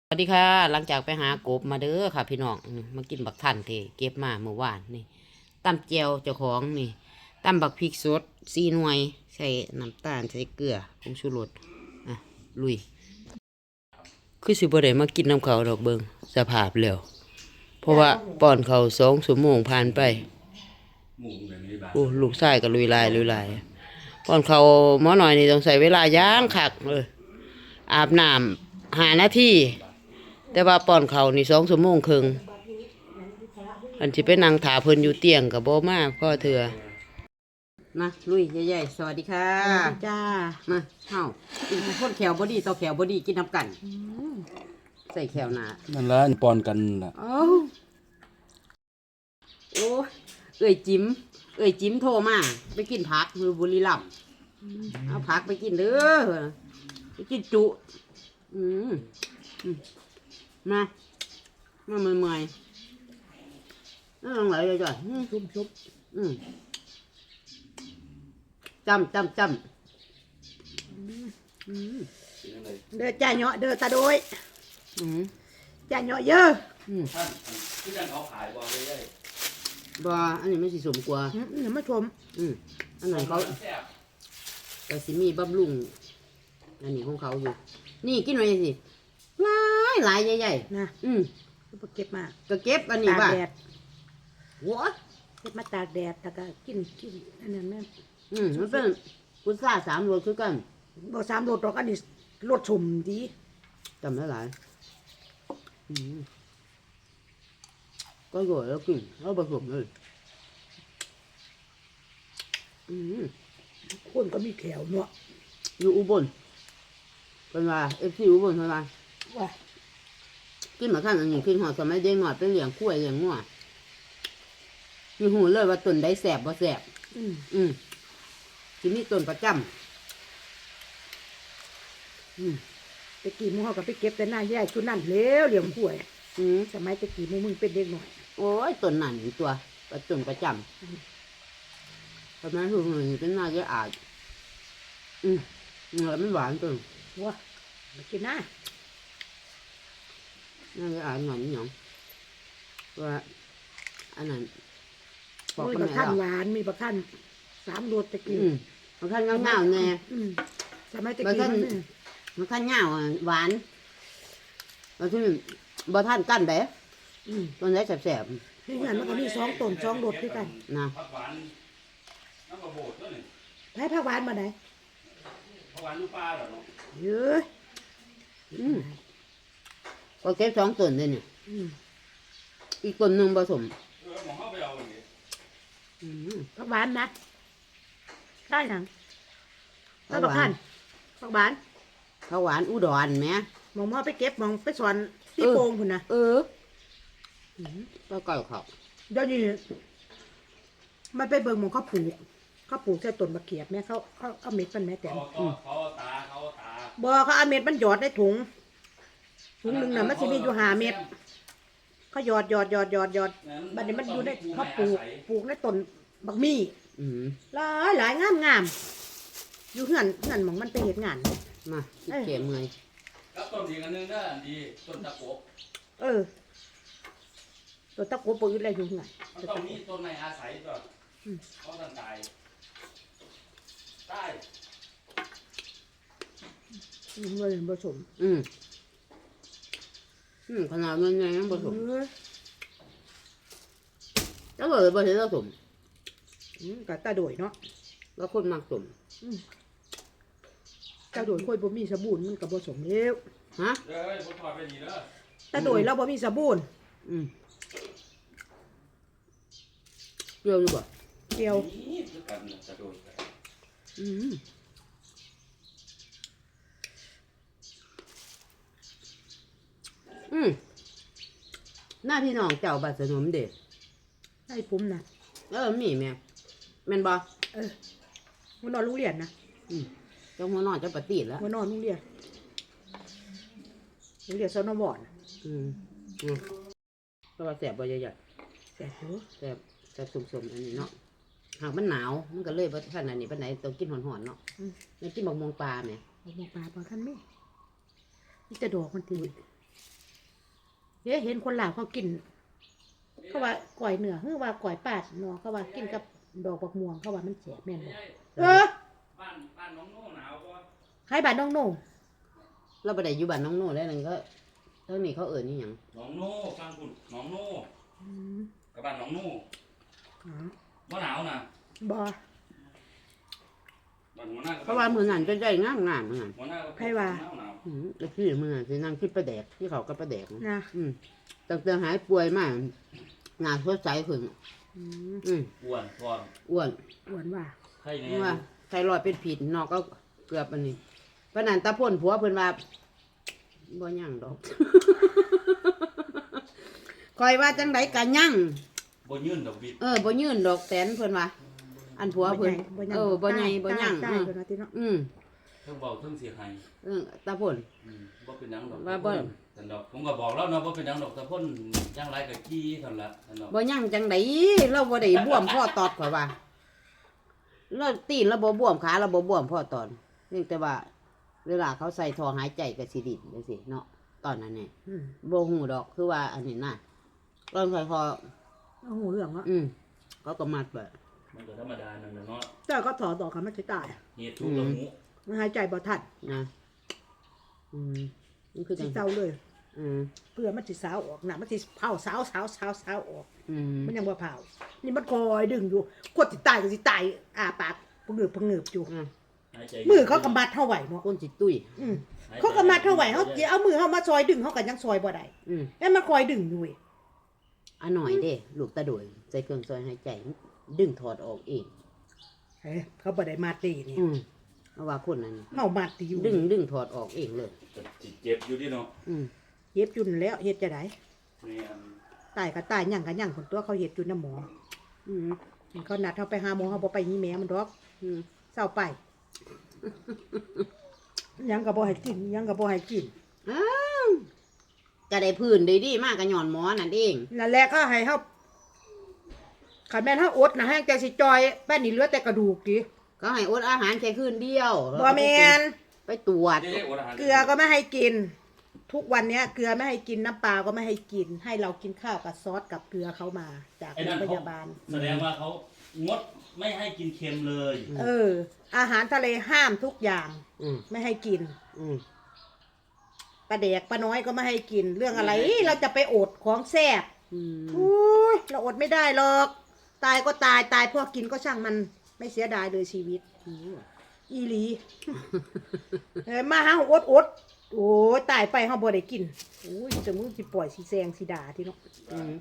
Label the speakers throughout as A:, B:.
A: สวัสดีค่ะหลังจากไปหากบมาเด้อค่ะพี่น้องมากินบักทันเทเก็บมาเมื่อวานนี่ตำเจียวเจ้าของนี่ตำบักพริกสด4 หน่วยใส่น้ำตาลใส่เกลือผงชูรสอ่ะลุยคือสิบ่ได้มากินน้ำเขาดอกเบิงสภาพแล้วเพราะว่าป้อนเขา2 ชั่วโมงผ่านไปโอ้ลูกชายก็ลุยลายป้อนเขาหมอหน่อยนี่ต้องใส่เวลาย่างคักเลยอาบน้ำ5 นาทีแต่ว่าป้อนเขานี่2 ชั่วโมงครึ่งอันที่ไปนั่งถาเพิ่นอยู่เตียงกับโบมาพ่อเถื่อมาลุยใหญ่ๆสวัสดีค่ะ
B: จ้า
A: มาเฮากินคนแขวบอดี้ต่อแขวบอดี้กินน้ำกันใส่แขวหนา
C: นั่นละปอนกันล่ะ
A: โอ้เอ้ยจิ้มโทรมาไปกินผักมือบุรีรัมย์เอาผักไปกินเด้อไปกินจุมาเมื่อยนั่งลงไหลเลยจ้ะ
B: ชุบ
A: จำ
B: เด้อจ่าเนาะเด้อตาโดยจ่าเนาะเยอะ
C: ท่านที่ท่านเขาขายบอลเลยได้
A: บ่อันนี้ไม่สิสมกว่า
B: อย่ามาชม
A: อันไหนเขาแต่สิมีบำรุงอันนี้ของเขาอยู่นี่กินไว้สิหลายใหญ่
B: ๆนะก็เก็บมา
A: ก็เก็บอันนี้บ้าหัว
B: เก็บมาตากแดดแล้วก็กินอันนั้นนั่น
A: มันเป็นกุซ่า3 รสคือกัน
B: บ่3 รสดอกอันนี้รสชมดี
A: จำได้หลายก็โรยแล้วกินแล้วผสมเลย
B: คนก็มีแขวเนาะ
A: อยู่อุบลเป็นว่าFCอุบลเท่าไหร่
B: ว่า
A: กินมาขั้นอันนี้กินหอดสมัยเด็กหน่อยไปเลี้ยงกล้วยเลี้ยงงัวมีหูเลยว่าต้นได้แสบบ่แสบที่นี่ต้นประจำ
B: ไปกี่มื้อเฮาก็ไปเก็บแต่หน้าแย่ชุดนั่นแล้วเลี้ยงกล้วยสมัยตะกี้มึงเป็นเด็กหน่อย
A: โอ้ยต้นนั่นตัวต้นประจำทำไมหูเป็นหน้าแย่อาดแล้วมันหวานตัว
B: ว้าไปกินนะ
A: น่าจะอ่านหน่อยนิดหน่อยว่าอันนั้น
B: มีบักท่านหวานมีบักท่าน3 รสตะกี้
A: บักท่านเงาๆแน่
B: สมัยตะกี้
A: บักท่านเงาหวานแล้วที่บักท่านกั้นเด้ต้นได้แสบ
B: ๆนี่งั้นมันก็มี2 ต้น2 รสด้วยกัน
A: นะ
C: ผักหวานน้ำกระโบดด้วยนี่
B: ให้ผักหวานมาไหน
C: ผักหวานลูกปลาเหรอ
B: เยอะ
A: ก็เก็บ2 ต้นเลยเนี่ยอีกต้นหนึ่งผสม
C: มองเข้าไปเอาอย่างนี้
B: ผักหวานนะได้ยังผักหวานผักหวาน
A: ผักหวานอุดรไหม
B: มองไปเก็บมองไปสอนที่โป่งคุณนะ
A: ก็ก่อยเขา
B: เดี๋ยวนี้มันไปเบิ่งมองเขาปลูกใส่ต้นมะเขือแม่เขาเอาเม็ดมันแม่แต่
C: เขาตา
B: บ่เขาเอาเม็ดมันหยอดในถุงหนึ่งน่ะมันจะมีอยู่5 เม็ดเขาหยอดบัดนี้มันอยู่ในเขาปลูกในต้นบักมี่หลายงามอยู่เฮือนมองมันไปเฮ็ดงาน
A: มาเก็บเมื่อย
C: แล้วต้นอีกอันนึงน่ะดีต้นตะโกบ
B: ต้นตะโกบปลูกอะไรอยู่ไง
C: ต้องมีต้นในอาศัยก่อนเขาต้องตาย
B: เงินผสม
A: ขนาดเงินยังผสมแล้วเลยผสม
B: กับตาโดยเนาะ
A: แล้วคนมักสม
B: ตาโดยค่อยบ่มีสบู่มันกับผสมแล้ว
A: ฮะ
C: ผมถอดไปดีแล้ว
B: ตาโดยเราบ่มีสบู่
A: เกี่ยวอยู่บ่
B: เกี่ยว
A: หน้าพี่น้องเจ้าบัดสนมเด็ก
B: ให้ผมนะ
A: มีแม่แม่นบ่
B: หัวนอนโรงเรียนนะ
A: เจ้าหัวนอนเจ้าปฏิแล้ว
B: หัวนอนโรงเรียนสนบอน
A: ก็ว่าแสบบ่ใหญ่
B: ๆแสบ
A: สมอันนี้เนาะหากมันหนาวมันก็เลยบ่ขนาดนี้ปานไหนต้องกินหอนๆเนาะไม่กินบักม่วงปลาแม่
B: บักม่วงปลาบ่ทันมีจะดอกมันตีเห็นคนลาวเขากิน เขาว่าก่อยเหนือคือว่าก่อยปาดเนาะเขาว่ากินกับดอกบักม่วงเขาว่ามันแสบแม่นบ่
C: บ้านน้องโน่หนาวปะ
B: ให้บ้านน้องโน่
A: เราบ่ได้อยู่บ้านน้องโน่แล้วนั่นก็เท่านี้เขาเอิ้นนี่หยัง
C: น้องโน่ฟังคุณน้องโน่
B: อืม
C: กับบ้านน้องโน่
B: อ๋อ
C: บ่หนาวนะ
B: บ่
C: บ้านหัวหน้ากับ
A: เพราะว่ามื้อนั้นจะได้งามๆมื้อนั้น
C: หัวหน้ากับ
B: ให้ว่า
C: หนาว
A: แล้วพี่มื้อนั้นสินั่งคิดปลาแดกที่เขากับปลาแดก
B: นะ
A: ตั้งแต่หายป่วยมาหน้าสดใสขึ้น
B: อืม
C: อ้วนพร้อม
A: อ้วน
B: อ้วนว่า
C: ไข่แน่
A: ว่าไทรอยด์เป็นผิดนอกก็เกือบอันนี้เพราะนั้นตาพ่นผัวเพิ่นว่าบ่ยั่งดอก คอยว่าจังไดก็ยั่ง
C: บ่ยื่นดอกบิด
A: บ่ยื่นดอกแสนเพิ่นว่า อันผัวเพิ่นบ่ใหญ่บ่ยั่ง
B: ได้เพิ่นว่าติเนาะ
C: เทั้งเบาเทั้งเสียหาย
A: ตาพ่น
C: บ่เป็นหยังดอก
A: ว่าบ่
C: แต่ดอกผมก็บอกแล้วเนาะบ่เป็นหยังดอกแต่พ่นจังไรก็กี้เท่านั้นละแต่ดอก
A: บ่ยั่งจังไดเราบ่ได้บวมพ่อตอดข่อยว่าเราตีนเราบ่บวมขาเราบ่บวมพ่อตอดเพียงแต่ว่า เวลาเขาใส่ท่อหายใจก็สิดิ้นจังซี่เนาะตอนนั้นนี่
B: อืม
A: บ่ฮู้ดอกคือว่าอันนี้น่ะตอนใส่คอ
B: เอาหูเรื่องเนาะ
A: เขาก็มัดไว้
C: มันก็ธรรมดานั่นแหละเนาะ
B: แต่ก็ถอดดอกกันมันสิตาย
C: เหตุทุกข์ละหู
B: มันหายใจบ่ทัน
A: นะนี่คือจั
B: สิ
A: ง
B: เศร้าเลย
A: อืม
B: เพื่อมันสิสาวออกน่ะมันสิเผาสาวออก
A: อืม
B: มันยังบ่เผานี่มันคอยดึงอยู่กดสิตายก็สิตายปากพงืบอยู่
C: หายใจ
B: มือเขาก็มัดเท่าไหวเนาะ
A: คนสิตุ้ย
B: อืมเขาก็มัดเท่าไหวเขาสิเอามือเขามาซอยดึงเขาก็ยังซอยบ่ได้
A: อืม
B: แล้วมันคอยดึงอยู่เว้ย
A: อันหน่อยเด้ลูกตาโดยใส่เครื่องซอยหายใจ ดึงถอดออกเอง
B: เฮ้ยเขาบ่ได้มาตีนี่
A: เพราะว่าคนนั้น
B: เฮามาตีอยู่
A: ดึงถอดออกเองเลย
C: เจ็บอยู่ดิเนาะ
A: อืม
B: เฮ็ดจุนแล้วเฮ็ดจะได้
C: แม่น
B: ตายก็ตายหยังก็หยังคนตัวเขาเฮ็ดจุนน้ำหมอ
A: อืม
B: เขานัดเฮาไปหาหมอเฮาบ่ไปนี่แม่มันดอก
A: อืม
B: เศร้าไปหยังก็บ่ให้กินหยังก็บ่ให้กิน
A: อ้าวจะได้พื้นได้ดีมากกับหย่อนหมอนั่นเอง
B: นั่นแหละก็ให้เฮาคันแม่นเฮาอดนะให้ใจสิจอยแป้นนี่เหลือแต่กระดูกติ
A: ก็ให้อดอาหารแค่คืนเดียว
B: บ่แม่น
A: ไปตรวจ
C: เจ๊อดอาหาร
B: เกลือก็ไม่ให้กิน ทุกวันเนี้ยเกลือไม่ให้กินน้ำปลาก็ไม่ให้กิน ให้เรากินข้าวกับซอสกับเกลือเขามาจาก
C: ไอ้
B: โร
C: นั่
B: ง
C: น
B: พ
C: เขา
B: ยาบาล
C: แสดงว่าเขางดไม่ให้กินเค็มเลย
B: อาหารทะเลห้ามทุกอย่าง
A: อืม
B: ไม่ให้กิน
A: อืม
B: ปลาแดกปลาน้อยก็ไม่ให้กิน เรื่องอะไรเราจะไปอดของแซ่บ
A: อืม
B: อุ้ยเราอดไม่ได้หรอก ตายก็ตายตายพวกกินก็ช่างมันไม่เสียดายเลยชีวิต อีหลี มาหาอดโอ้ยตายไปเฮาบ่ได้กินโอ้ยจะมึงสิปล่อยสิแซงสิด่าที่เนาะ
A: อืม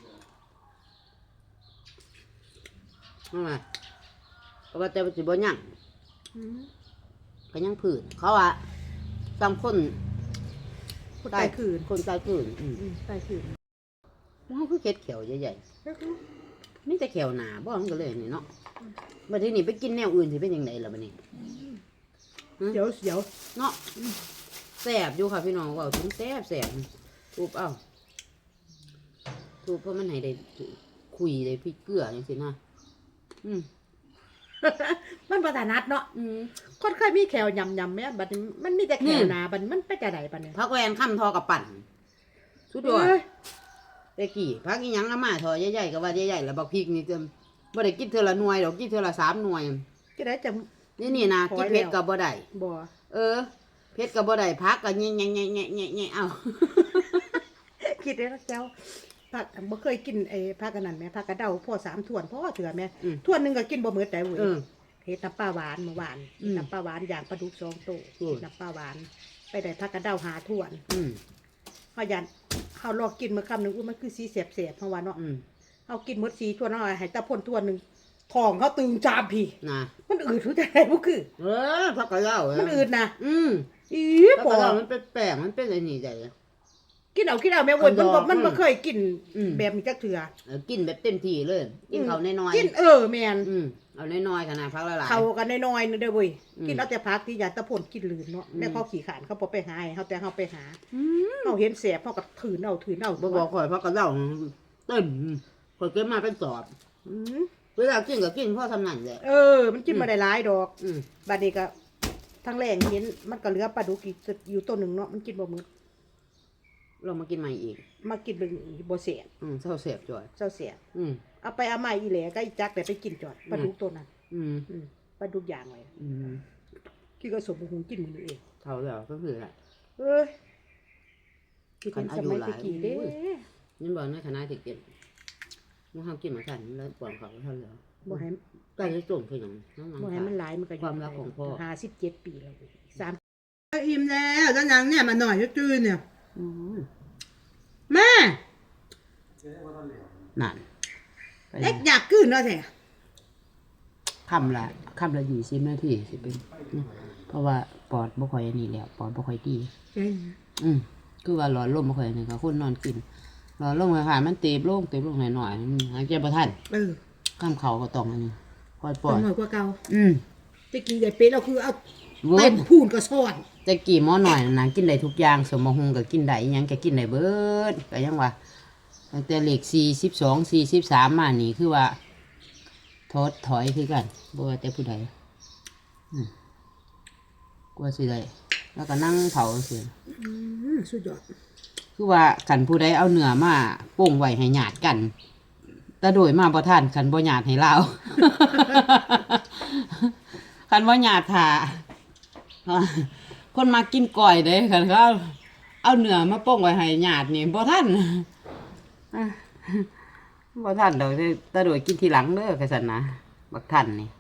A: นั่นแหละเพราะว่าแต่ว่าสิบ่ยั่ง
B: อืม
A: ก็ยังผืนเขาว่าตามคน
B: คนตายคืน
A: คนตายคืน
B: ตายคืน
A: มันคือเข็ดเขียวใหญ่ๆมีแต่เขียวหนาบ่มันก็เลยนี่เนาะบัดทีนี้ไปกินแนวอื่นสิเป็นยังไงล่ะบัดนี้
B: เดี๋ยว
A: เนาะแซ่บอยู่ค่ะพี่น้องเว่าถึงแซ่บทุบเอาทุบเพราะมันให้ได้คุยได้พริกเกลือจังซี่นะอืม
B: มันประทานัดเนาะคนเคยมีแขวยำแม่บัดนี้มันมีแต่แขวหนาบัดมันไปจะไหนบัดนี้
A: พักแวนค่ำทอกับปั่นสุดยอดแต่กี่พักอีหยังละมาทอใหญ่ๆก็ว่าใหญ่ๆแล้วบักพริกนี่เต็มบ่ได้กินเทื่อละหน่วยดอกกินเทื่อละ3หน่วย
B: จะได้จะ
A: นี่นะกินเผ็ดก็บ่ได้
B: บ่
A: เผ็ดก็บ่ได้พักก็แง่ๆๆๆๆเอา
B: คิดได้แล้วเจ้าผักบ่เคยกินไอ้ผักกันนั่นแม่ผักกระเดาพ่อ3ถ้วนพ่อเถื่อแม่ถ้วนนึงก็กินบ่หมดได้เว้ยเฮ็ดน้ำปลาหวานเมื่อวานน้ำปลาหวานอย่างปลาดุก2โตน้ำปลาหวานไปได้ผักกระเดา5ถ้วนเฮายันเฮาลอกกินมื้อค่ำนึงมันคือสีแสบๆเพราะว่าเนาะเฮากินหมด4ถ้วนเฮาให้ตาพ่นถ้วนนึงท้องเขาตึงจามพี่
A: นะ
B: มันอืดรู้จักได้บ่คือ
A: พักกะเหล้า
B: มันอืดนะ อี
A: พัก
B: ปอก
A: ะเหล้ามันเป็นแป้งมันเป็นไอ้นี่ได้
B: กินเอาแม่วนมันบ่เคยกิน
A: อืม
B: แบบนี้จักเทื่อ
A: กินแบบเต็มที่เลยกินเขาน้อยๆ
B: กินแม่น
A: เอาน้อยๆขนาดพักละหลาย
B: เขากันน้อยๆนึเด้อเว้ย
A: อืม
B: กินเอาแต่ผักที่ยาตะพ่นกินลืนเนาะแม่เขาขี้ขานเขาบ่ไปหาให้เฮาแต่เฮาไปหา
A: อืม
B: เฮาเห็นแสบเฮาก็ถืนเอา
A: บ่บอกข่อยพักกะเหล้าเต็มข่อยเก็บมาเป็นสอบ
B: อืม
A: เวลากินก็กินพ่อทำนั่นแหละ
B: มันกินบ่ได้หลายดอก
A: อืม
B: บัดนี้ก็ทั้งแรงเห็นมันก็เหลือปลาดุกอีกอยู่ตัวหนึงเนาะมันกินบ่หมด
A: เรามากินใหม่อีก
B: มากินเป็นบ่เสีย
A: เศร้าเสียบจ่อย
B: เจ้าเสีย
A: อืม
B: เอาไปเอามาอีแหล่ก็อีจักแต่ไปกินจอดปลาดุกตัวนั้น
A: อืม
B: ปลาดุกย่างไว้
A: อืม
B: กินก็สมหุงกินมื้อนี้เอง
A: เท่าแล้วก็คืออะไร
B: เอ้ยคิดถึงสมัยตะกี้เด้
A: นี่บอกในคณะที่กินมันห้ามกินมาขันแล้วปวดเขาเท่าแล้ว
B: บ่ให้
A: ใกล้จะจมคือหยังน้อง
B: บ่ให้มันหลายมันก็อยู่
A: ความรักของพ่อ
B: 57 ปีแล้ว3
D: อิ่มแล้วแล้วนางเนี่ยมาหน่อยจืดๆเนี่ย
A: อืม
D: แม่
A: นั่น
D: เล็กอยากกืนเนาะแท้
A: คำละ20 นาทีสิเป็นเพราะว่าปอดบ่ค่อยอันนี้แล้วปอดบ่ค่อยดี คือว่าหลอดลมบ่ค่อยอันนี้ก็คนนอนกินหลอดลมค่ะมันเต็มลงหน่อยๆหายใจบ่ทัน ข้ามเขาก็ต้องอันนี้คอยป
D: ป
A: ล่
D: อ
A: อย
D: หน่อยกว่าเก่า
A: อืม
D: ตะกี้ใหญ่เป็ดเราคือเอา
A: เวิ
D: เต็
A: ร์ด
D: มพูนก็ซ่อน
A: แต่กี่หม้อหน่อยนะกินได้ทุกอย่างสมบหุงก็กินได้อิหยังก็กินได้เบิดก็ยังว่าตั้งแต่เลข42 43มานี่คือว่าถอยคือกันบ่ว่าแต่ผู้ใดกลัวสิได้แล้วก็นั่งเผาสิ
D: สุดยอด
A: คือว่าคันผู้ใดเอาเนื้อมาโป่งไว้ให้ญาติกันแต่โดยมาบ่ทันคันบ่ญาติให้ลาว คันบ่ญาติท่าคนมากินก้อยเด้คันเขาเอาเนื้อมาโป่งไว้ให้ญาตินี่บ่ทันบ่ทันดอกแต่โดยกินทีหลังเด้อว่าซั่นนะบักทันนี่